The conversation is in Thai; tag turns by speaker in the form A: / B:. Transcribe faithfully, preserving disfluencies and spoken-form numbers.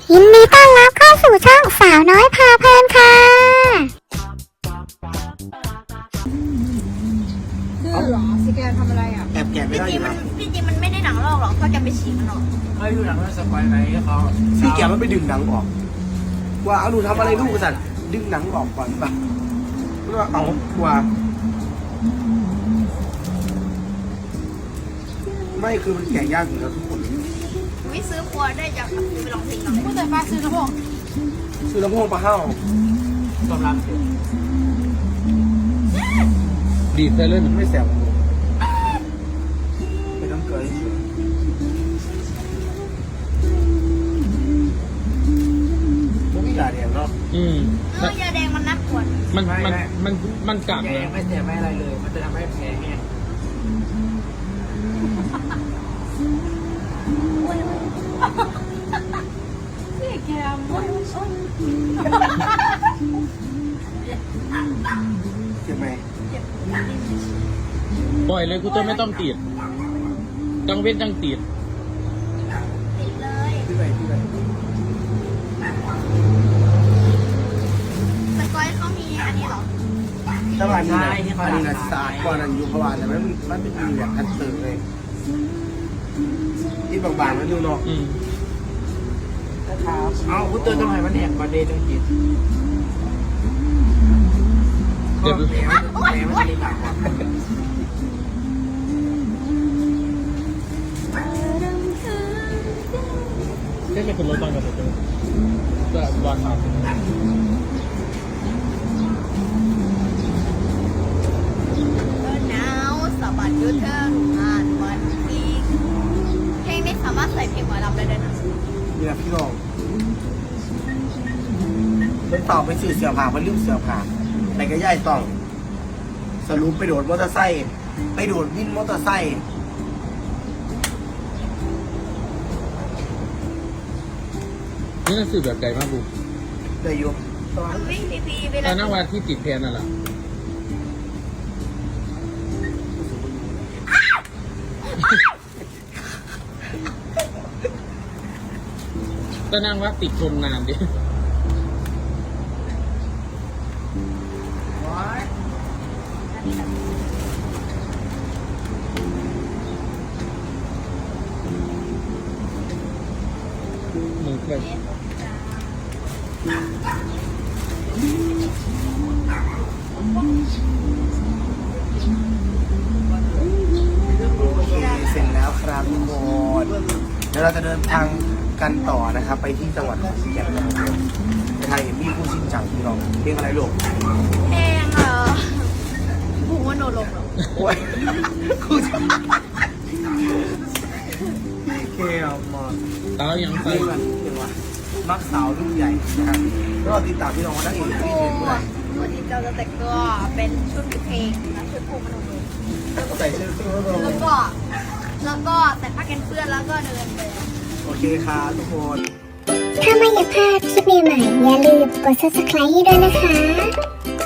A: ยินดีต้อนรับเข้าสู่ช่องสาวน้อยพาเพลินค่ะ
B: ดื้อเหรอสแกนทำอะไรอ่ะ
C: แอบแกะไม่
D: พี่
C: ได้
D: จ
C: อ
D: ริง
C: ยู่
D: มัน
C: นะ
D: พี่จริงมันไม่ได้หนังลอกหรอกเขาจะไปฉีกมันออก
E: ไม่ดูหนังว่าสปอยไหนเขา
C: พี่แกะมันไปดึงหนังออก ว่าเอาหนูทำอะไรลูกสัตว์ดึงหนังออกก่อนป่ะว่าเอาว่าไม่คือมันแกะยากอยู่แล้วทุกคน
D: วิซื้อครัวได้จากไปลองเพลงหน่อย
B: ผู้แต่ฟ้าซื้อกระโปรง
C: ซื้อลำโพงปลาห้าว
E: ตำรับ
C: ดีดไปเลยมันไม่แสบไม่ต้องเกลือเฉยพวกพี่ยาแดงเนาะ
F: อืม
D: เออยาแดงมันนักปวด
F: มันมันมันมันกัด
E: แก
F: นะ
E: ไม่เสียไม่อะไรเลย มันจะทำให้แผลแห้ง
B: นี่แกม
C: เจ็บไหม
F: ปล่อยเลยกูจะไม่ต้องติดจังเว้นจังติด
D: ติดเลย
C: ที่ไหนที่ไหน
D: สกอยเขามีอันนี้เหรอ
C: ถ้าวันนี้นะอันนี้นะสะอาดกว่านั้นอยู่เพราะว่าแต่มันมันเป็นมีแบบคันเติร์เลยที่บางๆมันอยู่เนาะ
F: อืม
E: เอาพุทธต้องให้มันแหกประเด็นจังจิต
F: เดี๋ยว
E: แผลแผลมันจะได้หนักกว่า
F: แค่จะเป็นรถบ้านกับรถตู้จะวางมา
D: เออหนาวสะบัดยูเทิร์นอ่านวันอีกเพลงนี้สามารถใส่เพลงหมอลำได้ด้วยนะ
C: นี่แหละพี่น้องเป็นต่อไปสื่อเสือผ่ามันลืมเสือผ่าแต่ก็ย่ายต้อง สรุปไปโดดมอเตอร์ไซค์ไปโดดวินมอเตอร์ไซค์
F: นี่น่าสื่อแบบใดมากบุก
C: ได้อยุบ
D: มันวิ่งพีพีเว
F: ต
D: ลา
F: อนนั่งวันที่ติดแพนนั่นแหละตอนนั่งว่าติดชมนานดิมึงเคย
C: โอเคเสร็จแล้วครับทุกคนเดี๋ยวเราจะเดินทางกันต่อนะครับ ไปที่จังหวัดขอนแก่นนะครับไปไทยมีผู้ชิงจังพี่น้องเพลงอะไรลูก
D: เพลงเออบูว่าโนลงหรอ
C: โอ้ยคู่ชิงเคเอามา
F: ตายัง
C: เพ
F: ใส่
C: ลงอะไรเพลงว่ามักสาวรุ่นใหญ่นะครับก็ติดตามพี่น้องมาได้เองที่
D: โอ้
C: เพลงผู้ใด
D: วันนี้เราจะแต่งตัวเป็นชุดเพลงนะชุดภูมิมโนลง
C: ใส่เสื้อเสื้อ
D: แล้วก็แล้วก็แต่ผ้ากันเปื้อนแล้วก็เดินไป
C: โอเคครับทุกคน
A: ถ้าไม่อยากพลาดคลิปใหม่ๆอย่าลืมกด ซับสไครบ์ ให้ด้วยนะคะ